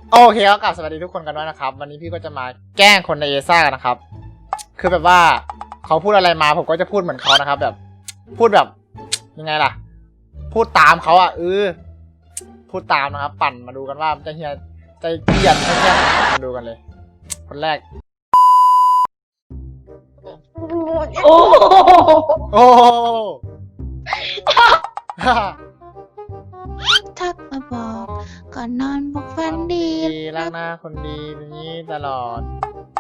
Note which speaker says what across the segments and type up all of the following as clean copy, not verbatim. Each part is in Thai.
Speaker 1: โอเคก็กลับสวัสดีทุกคนกันด้วยนะครับวันนี้พี่ก็จะมาแกล้งคนในเอซ่ากันนะครับคือแบบว่าเขาพูดอะไรมาผมก็จะพูดเหมือนเขานะครับแบบพูดแบบยังไงล่ะพูดตามเขาพูดตามนะครับปั่นมาดูกันว่าจะเฮียใจเกลียดไม่เฮียมาดูกันเลยคนแรก
Speaker 2: โอ้
Speaker 1: โอ้
Speaker 2: ทักมาบอกก่อนนอนบอกฝันดี
Speaker 1: ดีรักหน้าคนดีแบบนี้ตลอด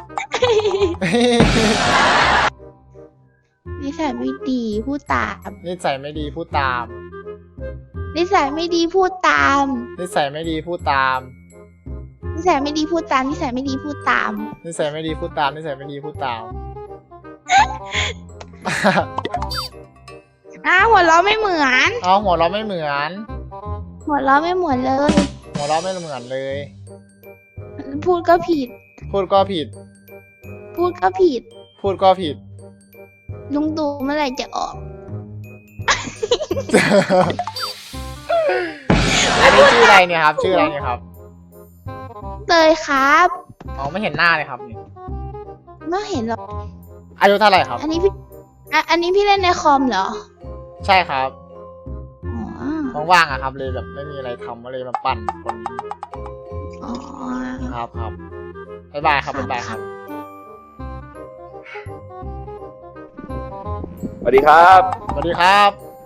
Speaker 2: นิสัยไม่ดีพูดตาม
Speaker 1: นิสัยไม่ดีพูดตาม
Speaker 2: นิสัยไม่ดีพูดตาม
Speaker 1: นิสัยไม่ดีพูดตาม
Speaker 2: นิสัยไม่ดีพูดตามนิสัยไม่ดีพูดตาม
Speaker 1: นิสัยไม่ดีพูดตามนิสัยไม่ดีพูดตาม
Speaker 2: หัวเราะไม่เหมือน
Speaker 1: เอาหัวเราะไม่เหมือน
Speaker 2: หัวเราะไม่เหมือนเลย
Speaker 1: หัวเราะไม่เหมือนเลย
Speaker 2: พูดก็ผิด
Speaker 1: พูดก็ผิด
Speaker 2: พูดก็ผิด
Speaker 1: พูดก็ผิด
Speaker 2: ลุงตู่เมื่อไหร่จะออก
Speaker 1: อันนี้ชื่ออะไรเนี่ยครับ ชื่ออะไรเนี่ยครับ
Speaker 2: เตยครับ
Speaker 1: อ๋อไม่เห็นหน้าเลยครับนี่
Speaker 2: ไม่เห็นหรอก
Speaker 1: อายุเท่าไหร่ครับ
Speaker 2: อันนี้พี่เล่นในคอมเหรอ
Speaker 1: ใช่ครับ
Speaker 2: อ๋อ
Speaker 1: ว่างๆอะครับเลยแบบไม่มีอะไรทำก็เลยมาปั่นคน
Speaker 2: อ๋อ
Speaker 1: ครับบ๊ายบายครับบ๊ายบายครับ
Speaker 3: สวัสดีครับ
Speaker 1: สวัสดีครับ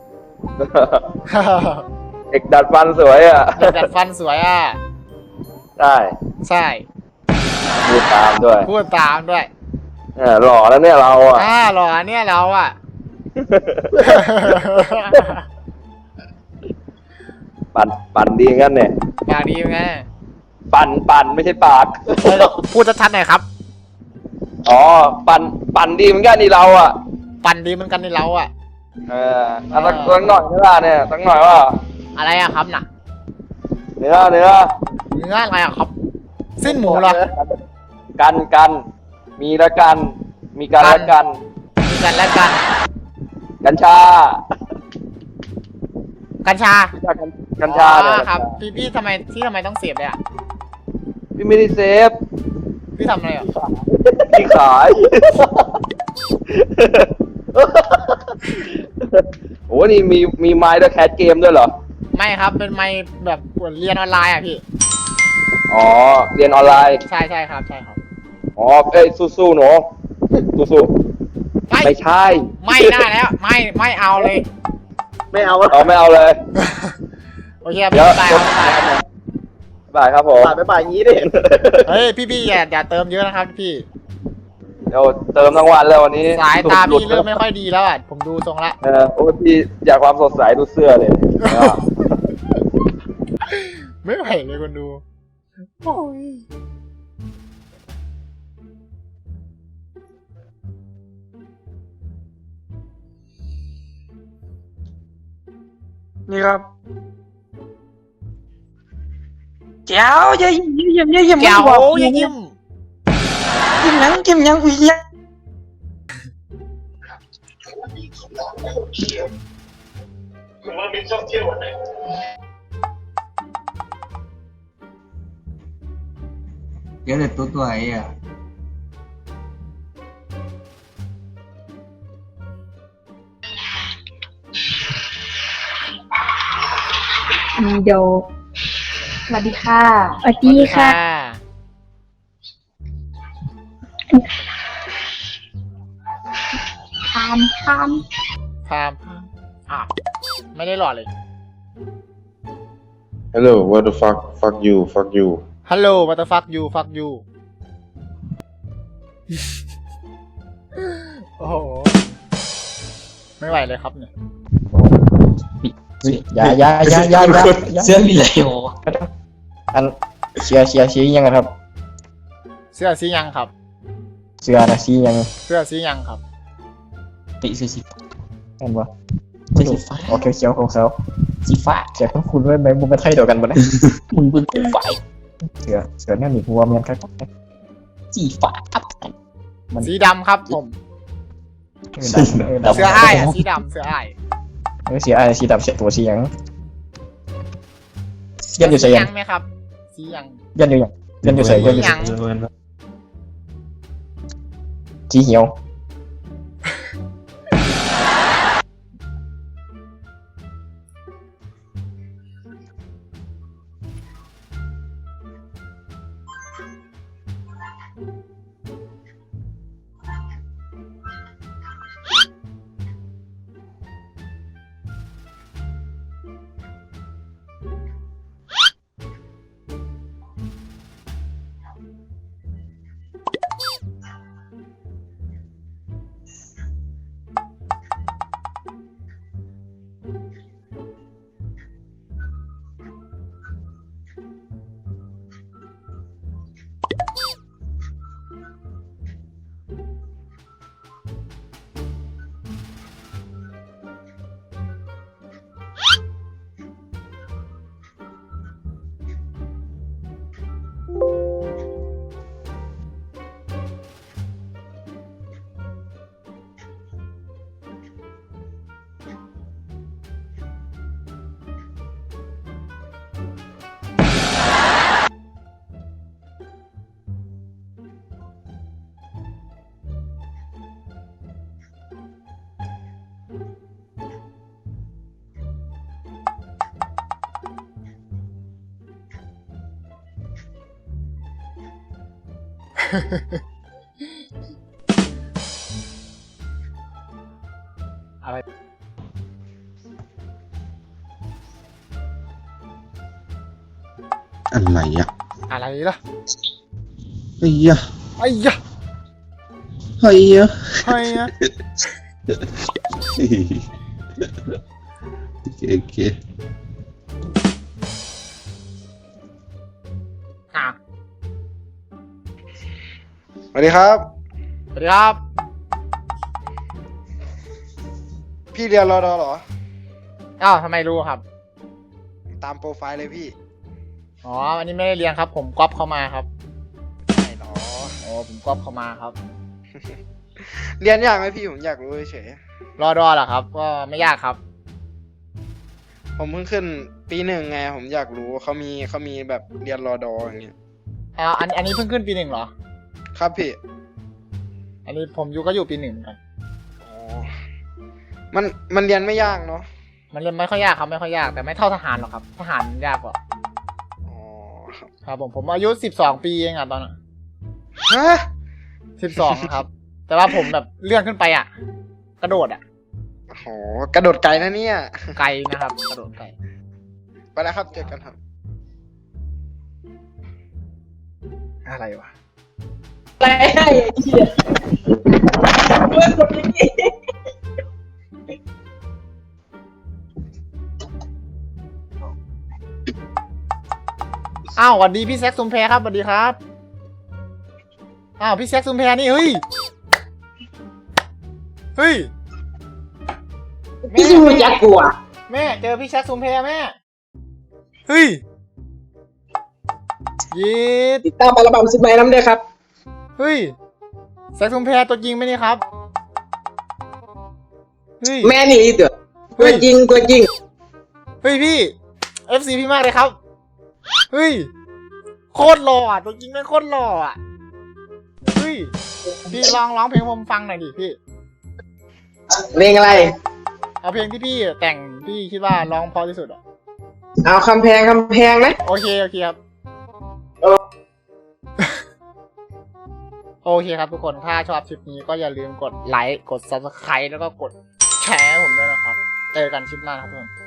Speaker 3: เอกดัดฟันสวยอ่ะ
Speaker 1: เด็กดัดฟันสวยอ่ะ
Speaker 3: ใช่
Speaker 1: ใช่
Speaker 3: พูดตามด้วย
Speaker 1: พูดตามด้วย
Speaker 3: หล่อแล้วเนี่ยเราอ่ะ
Speaker 1: หรอเนี่ยเราอ่ะ
Speaker 3: ปั่นดีงั้นเนี่ย
Speaker 1: ปากดีไง
Speaker 3: ปั่นไม่ใช่ปาก
Speaker 1: พูดชัดๆหน่อยครับ
Speaker 3: อ๋อปั่นดีเหมือนกันนี่เราอ่ะ
Speaker 1: ปั่นดีเหมือนกันในเราอ่ะ
Speaker 3: สักหน่อยเนื้อเนี่ยสักหน่อยว่า
Speaker 1: อะไรอะครับน่ะ
Speaker 3: เนื้อ
Speaker 1: เนื้ออะไรอะครับสิ้นหมูเหรอ
Speaker 3: กันมีละกันมีกันละกัน
Speaker 1: มีกันและกัน
Speaker 3: กัญชา
Speaker 1: กัญชา
Speaker 3: กัญชาเนี่ย
Speaker 1: ครับพี่ทำไมต้องเสียบเลยอ่ะ
Speaker 3: พี่ไม่ได้เซฟ
Speaker 1: พี่ทำอะไรอ่ะ
Speaker 3: พี่ขาย โอ้นี่มีไม้ด้วยแคสเกมด้วยเหรอ
Speaker 1: ไม่ครับเป็นไมค์แบบเรียนออนไลน์อ่ะพี่
Speaker 3: อ๋อ เรียนออนไลน์
Speaker 1: ใช่ครับ
Speaker 3: อ๋อ เอ้ยสู้ๆหนูสู้ๆไม่ใช่
Speaker 1: ไม่ได้แล้วไม่เอาเลย
Speaker 3: ไม่เอาไม่เอาเลย
Speaker 1: โอเคพี่บายครับ
Speaker 3: บายครับผม
Speaker 4: ไปอย่างนี้ดิ
Speaker 1: เฮ้ยพี่อย่าเติมเยอะนะครับพี่
Speaker 3: เดี๋ยวเติมทั้งวันแล้ววันนี้
Speaker 1: สายตาพี่เริ่มไม่ค่อยดีแล้วอ่ะผมดูทรงละ
Speaker 3: โอ้พี่อยากความสดใสดูเสื้อเลย
Speaker 1: ไม่ไหวเลยคนดูโอ้ย
Speaker 4: นี่ครับแก้วอย่ายิ้ม
Speaker 1: แก้ว
Speaker 4: บอก
Speaker 1: อย่ายิ้ม
Speaker 4: ยิ้มยังอุ้ยยัง
Speaker 5: เดี๋ยวเด็ดตัวไอ้อะ
Speaker 6: เดี๋ยวสวัสดีค่ะสวัสดีค่ะทาน
Speaker 1: พามไม่ได้หล่อเลย
Speaker 7: Hello, what the fuck? Fuck you.
Speaker 1: ฮัลโหลวัตฟักยูโอ้โหไม่ไหวเลยครับเนี่ย
Speaker 4: อย่า
Speaker 5: เสื้อเหลือง
Speaker 4: อันเชียร์ยังครับ
Speaker 1: เสื้อสียังครับ
Speaker 4: เสื้อนะซียัง
Speaker 1: เสื้อสียังครับ
Speaker 5: ติเสื้อสี
Speaker 4: เห็นปะ
Speaker 5: ฟ้า
Speaker 4: โอเคเขียวของเขา
Speaker 5: สีฟ้า
Speaker 4: เขียวของคุณด้วยไหมมันเป็นไทยเดียวกันปะเนี่ย
Speaker 5: มึงเป็นไฟ
Speaker 4: เสือเนี่ยมีหัวเมียนครับ
Speaker 5: สีฟ้าอัพกัน
Speaker 1: สีดำครับผม
Speaker 4: ดำ
Speaker 1: เสื้ออ้ายอ่ะสีดำเสื้ออ้าย
Speaker 4: เสียอะไรสีดำเสียตัวสียังเยี่ยมอยู่เสีย
Speaker 1: ยังไหมครับสีหยัง
Speaker 4: ยันอยู่ยังยันอยู่ใส่ยันอยู่
Speaker 1: หยัง
Speaker 4: จีเหียว
Speaker 1: อะไร
Speaker 7: อะไรอ่ะ
Speaker 1: อะไรล่ะ
Speaker 7: ไอ้ยะ
Speaker 1: ไอ้ยะ
Speaker 7: ไอ้ยะ
Speaker 1: ไอ้ยะ
Speaker 7: โอเคโอเค
Speaker 1: อ่ะ
Speaker 8: สวัสดีครับ
Speaker 1: สวัสดีครับ
Speaker 8: พี่เรียนรอดอเหรอ
Speaker 1: อ้าวทำไมรู้ครับ
Speaker 8: ตามโปรไฟล์เลยพี่
Speaker 1: อ๋อ อันนี้ไม่ได้เรียนครับ ผมก๊อปเข้ามาครับ
Speaker 8: ใช่หรอ
Speaker 1: โอ้ผมก๊อปเข้ามาครับ
Speaker 8: เรียนยากไหมพี่ผมอยากรู้เฉย
Speaker 1: รอดอเหรอครับ ก็ไม่ยากครับ
Speaker 8: ๆผมเพิ่งขึ้นปีหนึ่งไง ผมอยากรู้เขามีแบบเรียนรอดออย่างเงี้ย
Speaker 1: อันนี้เพิ่งขึ้นปี 1เหรอ
Speaker 8: ครับพี่
Speaker 1: อันนี้ผมก็อยู่ปี 1เหมือนกัน
Speaker 8: อ๋อมันเรียนไม่ยากเนาะ
Speaker 1: มันเรียนไม่ค่อยยากครับไม่ค่อยยากแต่ไม่เท่าทหารหรอกครับทหารยากกว่า
Speaker 8: อ๋อครับ
Speaker 1: ครับผมอายุ12 ปีเองอะตอนนั้น
Speaker 8: ฮะ
Speaker 1: 12 ครับ แต่ว่าผมแบบเลื่อนขึ้นไปอะกระโดดอะ
Speaker 8: โหกระโดดไกลนะเนี่ย
Speaker 1: ไกลนะครับ กระโดดไกล
Speaker 8: ไปแล้วครับเจอกันครับ
Speaker 1: อะไรวะ
Speaker 6: อะไรให้ไอ้เหี้ยเพื่อนคนนี้
Speaker 1: อ้าวสวัสดีพี่แซคซุมแพรครับสวัสดีครับอ้าวพี่แซคซุมแพรนี่เฮ้ยเฮ้ย
Speaker 6: พี่มูจักกลัว
Speaker 1: แม่เจอพี่แซคซุมแพรแม่เฮ้ยยีด
Speaker 6: ติดตามอัลบั้มสิบไม้น้ำด้วยครับ
Speaker 1: เฮ้ยแซคซุมแพรตัวจริงไหมนี่ครับเฮ้ย
Speaker 6: แม่นี่เถอะตัวจริง
Speaker 1: เฮ้ยพี่ FC พี่มากเลยครับเฮ้ยโคตรหล่ออ่ะตัวจริงแม่งโคตรหล่ออ่ะเฮ้ยพี่ลองร้องเพลงผมฟังหน่อยดิพี่
Speaker 6: เพลงอะไร
Speaker 1: เอาเพลงที่พี่แต่งพี่คิดว่าร้องเพราะที่สุดอ่ะ
Speaker 6: เอาคำแพงนะ
Speaker 1: โอเคครับ โอเคครับทุกคนถ้าชอบคลิปนี้ก็อย่าลืมกดไลค์กด Subscribe แล้วก็กดแชร์ให้ผมด้วยนะครับเจอกันคลิปหน้าครับทุกคน